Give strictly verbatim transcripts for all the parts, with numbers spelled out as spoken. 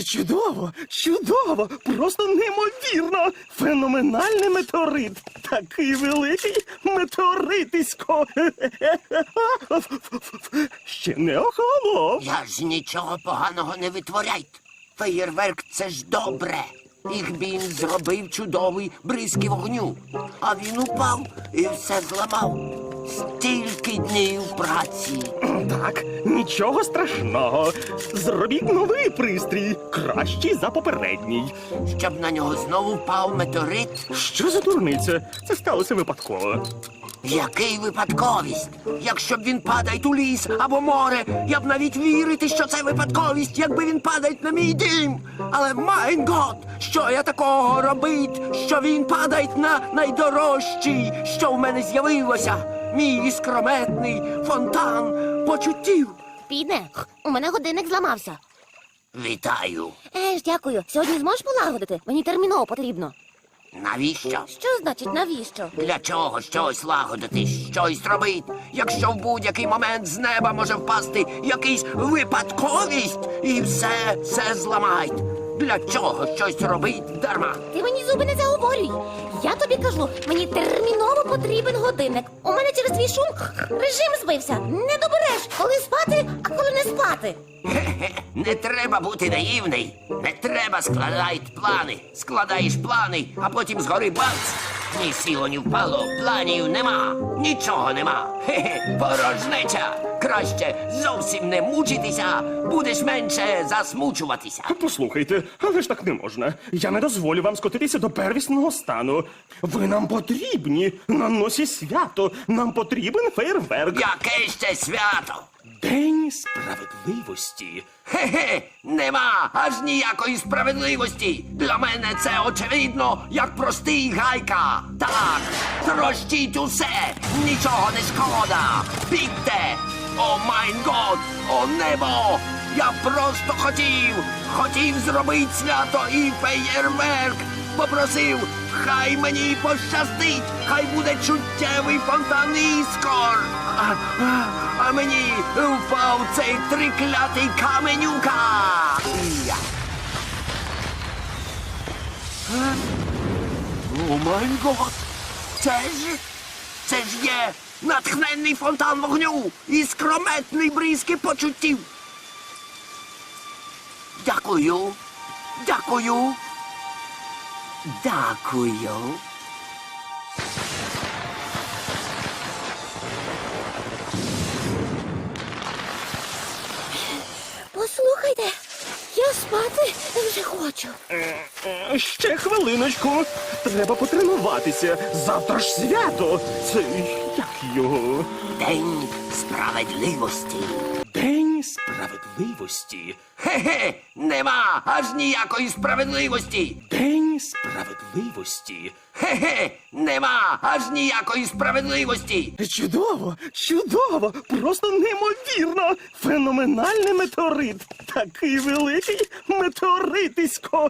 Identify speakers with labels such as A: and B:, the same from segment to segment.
A: Чудово, чудово, просто неймовірно. Феноменальний метеорит. Такий великий метеоритисько. Ще не охолонув.
B: Я ж нічого поганого не витворяйте. Феєрверк – це ж добре. Ігбін зробив чудовий бризки вогню. А він упав і все зламав. Стільки днів праці.
A: Так, нічого страшного. Зробіть новий пристрій, кращий за попередній.
B: Щоб на нього знову впав метеорит.
A: Що за дурниця? Це сталося випадково.
B: Який випадковість? Якщо б він падає у ліс або море, я б навіть вірити, що це випадковість, якби він падає на мій дім. Але, майн гот, що я такого робить, що він падає на найдорожчий, що в мене з'явилося? Мій іскрометний фонтан почуттів.
C: Піде, у мене годинник зламався.
B: Вітаю.
C: Еж, дякую. Сьогодні зможеш полагодити? Мені терміново потрібно.
B: Навіщо?
C: Що значить навіщо?
B: Для чого щось лагодити, щось робити, якщо в будь-який момент з неба може впасти якийсь випадковість і все, все зламають? Для чого щось робить дарма?
C: Ти мені зуби не заговорюй. Я тобі кажу, мені терміново потрібен годинник. У мене через твій шум режим збився. Не добереш, коли спати, а коли не спати.
B: Хе-хе, не треба бути наївний. Не треба складати плани. Складаєш плани, а потім згори бац. Ні сіло, ні впало, планів нема. Нічого нема. Хе-хе, порожнеча. Краще зовсім не мучитися, будеш менше засмучуватися.
A: Послухайте, але ж так не можна. Я не дозволю вам скотитися до первісного стану. Ви нам потрібні. На носі свято. Нам потрібен фейерверк.
B: Яке ще свято?
A: День справедливості.
B: Хе-хе, нема аж ніякої справедливості. Для мене це очевидно, як простий гайка. Так, трощіть усе, нічого не шкода. Бігте! О майн год, о небо! Я просто хотів, хотів зробити свято і феєрверк. Попросив, хай мені пощастить, хай буде чуттєвий фонтан іскор. А, а, а мені впав цей триклятий каменюка. Я. Е? О май гот! Це ж, це ж є натхненний фонтан вогню і скрометний бризки почуттів. Дякую, дякую. Дякую.
C: Послухайте, я спати вже хочу.
A: Е, е, Ще хвилиночку. Треба потренуватися. Завтра ж свято. Це як його?
B: День справедливості.
A: День справедливості.
B: Хе-хе, нема аж ніякої справедливості.
A: День справедливості.
B: Хе-хе, нема аж ніякої справедливості.
A: Чудово, чудово, просто неймовірно. Феноменальний метеорит. Такий великий метеоритисько.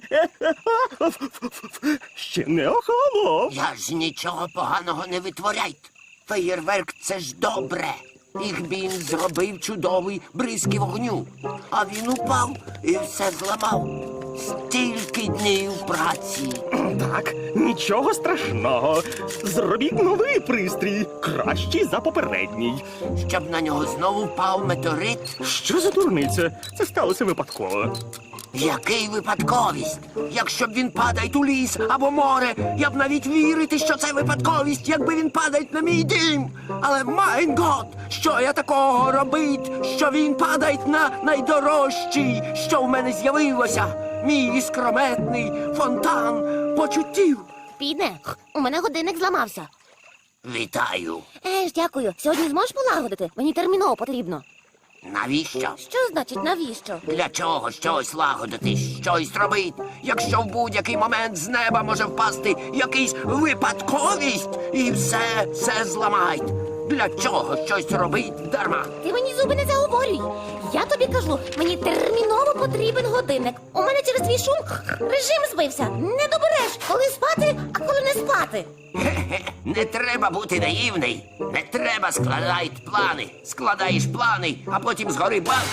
A: Ще не охолонув.
B: Я ж нічого поганого не витворяйте. Феєрверк – це ж добре. Ігбін зробив чудовий бризки вогню. А він упав і все зламав. Стільки днів праці.
A: Так, нічого страшного. Зробіть новий пристрій, кращий за попередній.
B: Щоб на нього знову впав метеорит.
A: Що за дурниця? Це сталося випадково.
B: Який випадковість? Якщо б він падає у ліс або море, я б навіть вірити, що це випадковість, якби він падає на мій дім. Але, майн гот, що я такого робить, що він падає на найдорожчий, що в мене з'явилося? Мій іскрометний фонтан почуттів.
C: Піде, у мене годинник зламався.
B: Вітаю.
C: Еж, дякую. Сьогодні зможеш полагодити? Мені терміново потрібно.
B: Навіщо?
C: Що значить навіщо?
B: Для чого щось лагодити, щось робити, якщо в будь-який момент з неба може впасти якийсь випадковість і все, все зламають? Для чого щось робить дарма?
C: Ти мені зуби не заговорюй. Я тобі кажу, мені терміново потрібен годинник. У мене через твій шум режим збився. Не добереш, коли спати, а коли не спати.
B: Хе-хе, не треба бути наївний. Не треба складати плани. Складаєш плани, а потім згори бац.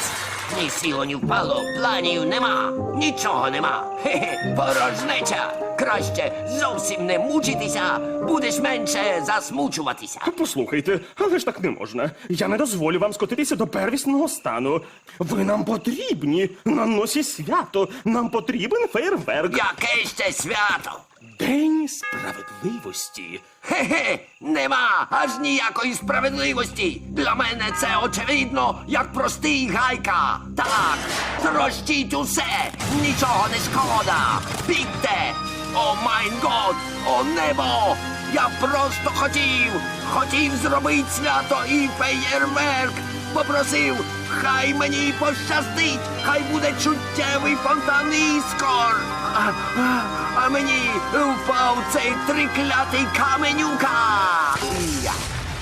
B: Ні сіло, ні впало, планів нема, нічого нема. Хе-хе, порожнеча. Краще зовсім не мучитися, будеш менше засмучуватися.
A: Послухайте, але ж так не можна. Я не дозволю вам скотитися до первісного стану. Ви нам потрібні на носі свято. Нам потрібен фейерверк.
B: Яке ще свято?
A: День справедливості.
B: Хе-хе, нема аж ніякої справедливості. Для мене це очевидно, як простий гайка. Так, трощіть усе, нічого не шкода. Бігте! О майн год, о небо! Я просто хотів, хотів зробити свято і феєрверк. Попросив, хай мені пощастить, хай буде чуттєвий фонтан іскор. А, а, а мені впав цей триклятий каменюка. Я.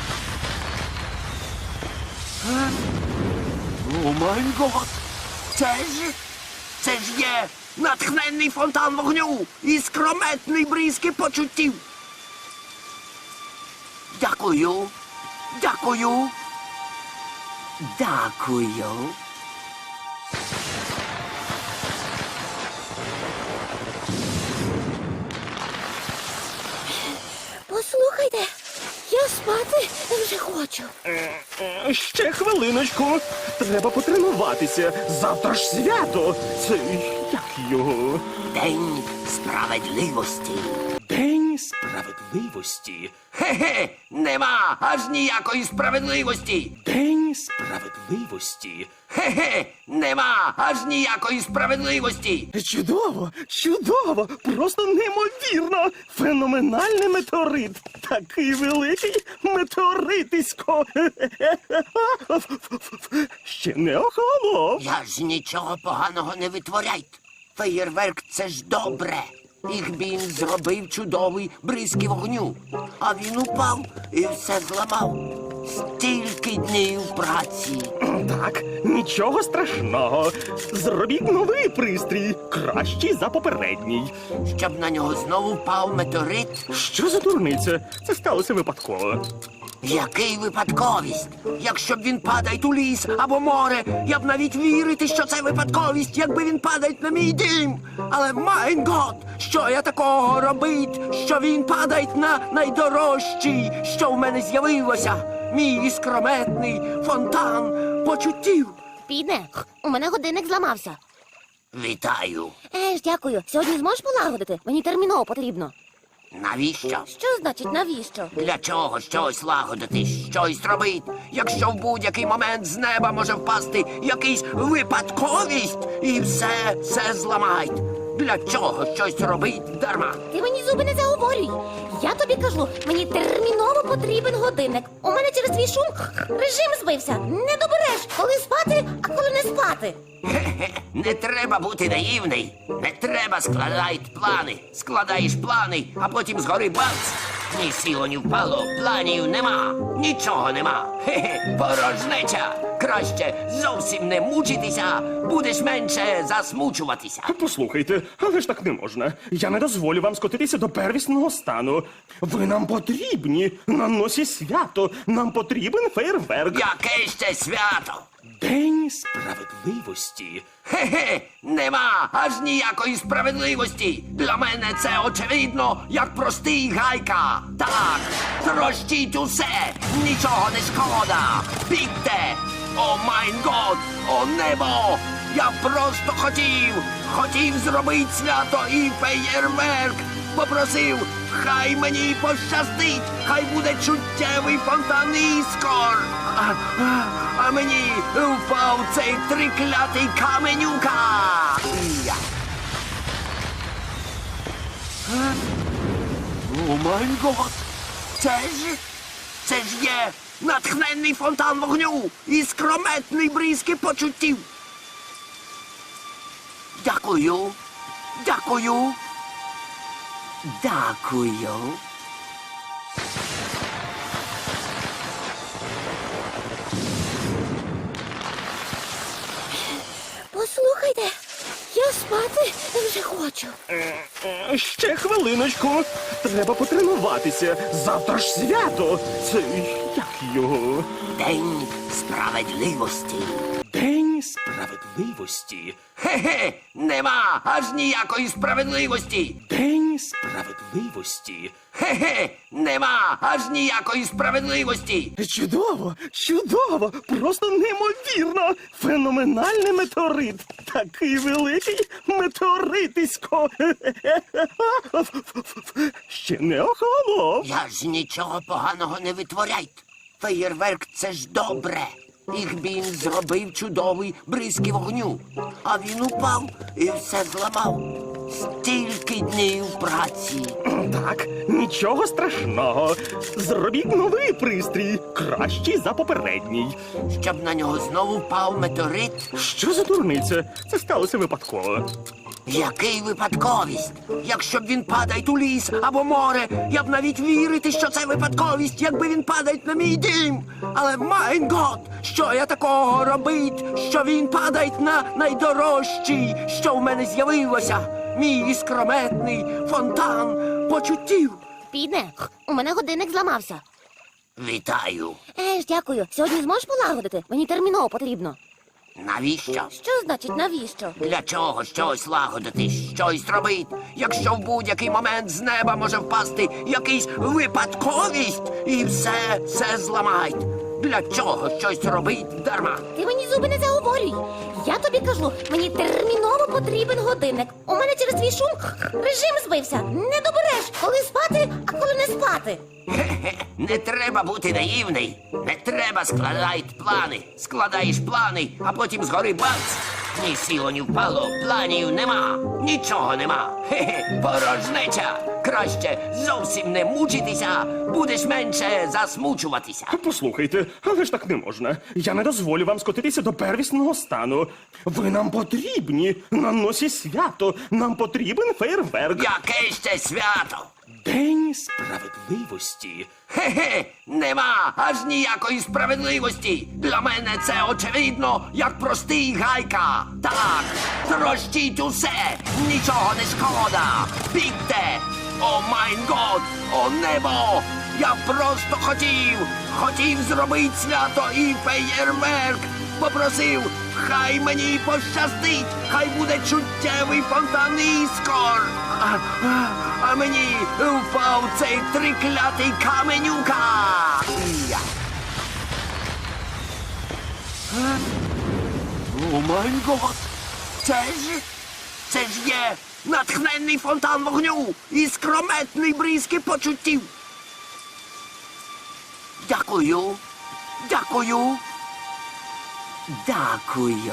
B: Е? О май гот! Це ж, це ж є натхненний фонтан вогню і скрометний бризки почуттів. Дякую, дякую, дякую.
C: Послухайте, я спати вже хочу.
A: Е, е, Ще хвилиночку. Треба потренуватися. Завтра ж свято. Це як його?
B: День справедливості.
A: День справедливості.
B: Хе-хе, нема аж ніякої справедливості.
A: День справедливості.
B: Хе-хе, нема аж ніякої справедливості.
A: Чудово, чудово, просто неймовірно. Феноменальний метеорит. Такий великий метеоритисько. Ще не охолонув.
B: Я ж нічого поганого не витворяйте. Феєрверк — це ж добре. Їх він зробив чудовий бризки вогню. А він упав і все зламав. Стільки днів праці.
A: Так, нічого страшного. Зробіть новий пристрій, кращий за попередній.
B: Щоб на нього знову впав метеорит.
A: Що за дурниця? Це сталося випадково.
B: Який випадковість? Якщо б він падає у ліс або море, я б навіть вірити, що це випадковість, якби він падає на мій дім. Але майн гот, що я такого робить, що він падає на найдорожчий, що в мене з'явилося. Мій іскрометний фонтан почуттів.
C: Підне, у мене годинник зламався.
B: Вітаю.
C: Е ж, дякую. Сьогодні зможеш полагодити? Мені терміново потрібно.
B: Навіщо?
C: Що значить навіщо?
B: Для чого щось лагодити, щось робити, якщо в будь-який момент з неба може впасти якийсь випадковість і все, все зламають. Для чого щось робить дарма?
C: Ти мені зуби не заговорюй. Я тобі кажу, мені терміново потрібен годинник. У мене через твій шум режим збився. Не добереш, коли спати, а коли не спати.
B: Хе-хе, не треба бути наївний. Не треба складати плани. Складаєш плани, а потім згори бац. Ні сіло, ні впало, планів нема, нічого нема. Хе-хе, порожнеча. Краще зовсім не мучитися, будеш менше засмучуватися.
A: Послухайте, але ж так не можна. Я не дозволю вам скотитися до первісного стану. Ви нам потрібні на носі свято. Нам потрібен фейерверк.
B: Яке ще свято?
A: День справедливості.
B: Хе-хе, нема аж ніякої справедливості. Для мене це очевидно, як простий гайка. Так, трощіть усе, нічого не шкода. Бігте! О майн год, о небо! Я просто хотів, хотів зробити свято і феєрверк. Попросив, хай мені пощастить, хай буде чуттєвий фонтан іскор. А, а, а мені впав цей триклятий каменюка. Я. Е? О май гот! Це ж, це ж є натхненний фонтан вогню і скрометний бризки почуттів. Дякую, дякую, дякую.
C: Послухайте, я спати вже хочу.
A: Е, е, Ще хвилиночку. Треба потренуватися. Завтра ж свято. Це як його?
B: День справедливості.
A: День День справедливості.
B: Хе-хе, нема аж ніякої справедливості.
A: День справедливості.
B: Хе-хе, нема аж ніякої справедливості.
A: Чудово, чудово, просто неймовірно. Феноменальний метеорит. Такий великий метеоритисько. Ще не охолонув.
B: Я ж нічого поганого не витворяйте. Феєрверк — це ж добре. Їх він зробив чудовий бризки вогню. А він упав і все зламав. Стільки днів праці.
A: Так, нічого страшного. Зробіть новий пристрій, кращий за попередній.
B: Щоб на нього знову впав метеорит.
A: Що за дурниця? Це сталося випадково.
B: Який випадковість? Якщо б він падає у ліс або море, я б навіть вірити, що це випадковість, якби він падає на мій дім. Але, майн гот, що я такого робить, що він падає на найдорожчий, що в мене з'явилося? Мій іскрометний фонтан почуттів.
C: Піде, у мене годинник зламався.
B: Вітаю.
C: Еж, дякую. Сьогодні зможеш полагодити? Мені терміново потрібно.
B: Навіщо?
C: Що значить навіщо?
B: Для чого щось лагодити, щось робити, якщо в будь-який момент з неба може впасти якийсь випадковість і все, все зламають. Для чого щось робить дарма?
C: Ти мені зуби не заговорюй. Я тобі кажу, мені терміново потрібен годинник. У мене через твій шум режим збився. Не добереш, коли спати, а коли не спати.
B: Хе-хе, не треба бути наївний. Не треба складати плани. Складаєш плани, а потім згори бац. Ні сіло, ні впало, планів нема. Нічого нема. Хе-хе, порожнеча. Краще зовсім не мучитися, будеш менше засмучуватися.
A: Послухайте, але ж так не можна. Я не дозволю вам скотитися до первісного стану. Ви нам потрібні. На носі свято. Нам потрібен фейерверк.
B: Яке ще свято?
A: День справедливості.
B: Хе-хе, нема аж ніякої справедливості. Для мене це очевидно, як простий гайка. Так, трощіть усе, нічого не шкода. Бігте! О майн год, о небо! Я просто хотів, хотів зробити свято і феєрверк. Попросив, хай мені пощастить, хай буде чуттєвий фонтан іскор. А, а, а мені впав цей триклятий каменюка. Я. Е? О май гот! Це ж, це ж є натхненний фонтан вогню і скрометний бризки почуттів. Дякую, дякую, дякую.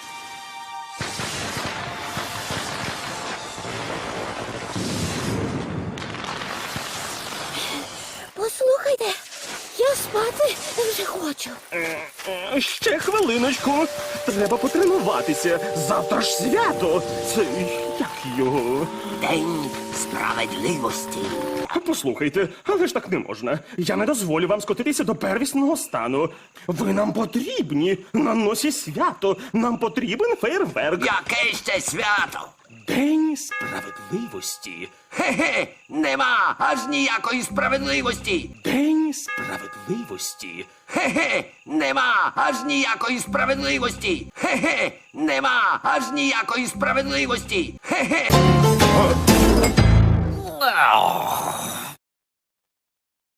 C: Послухайте, я спати вже хочу.
A: Е, Ще хвилиночку. Треба потренуватися. Завтра ж свято. Це як його?
B: День справедливості.
A: Послухайте, але ж так не можна. Я не дозволю вам скотитися до первісного стану. Ви нам потрібні. На носі свято. Нам потрібен фейерверк.
B: Яке ще свято?
A: День справедливості.
B: Хе-хе, нема аж ніякої справедливості.
A: День справедливості.
B: Хе-хе, нема аж ніякої справедливості. Хе-хе, нема аж ніякої справедливості. Хе-хе.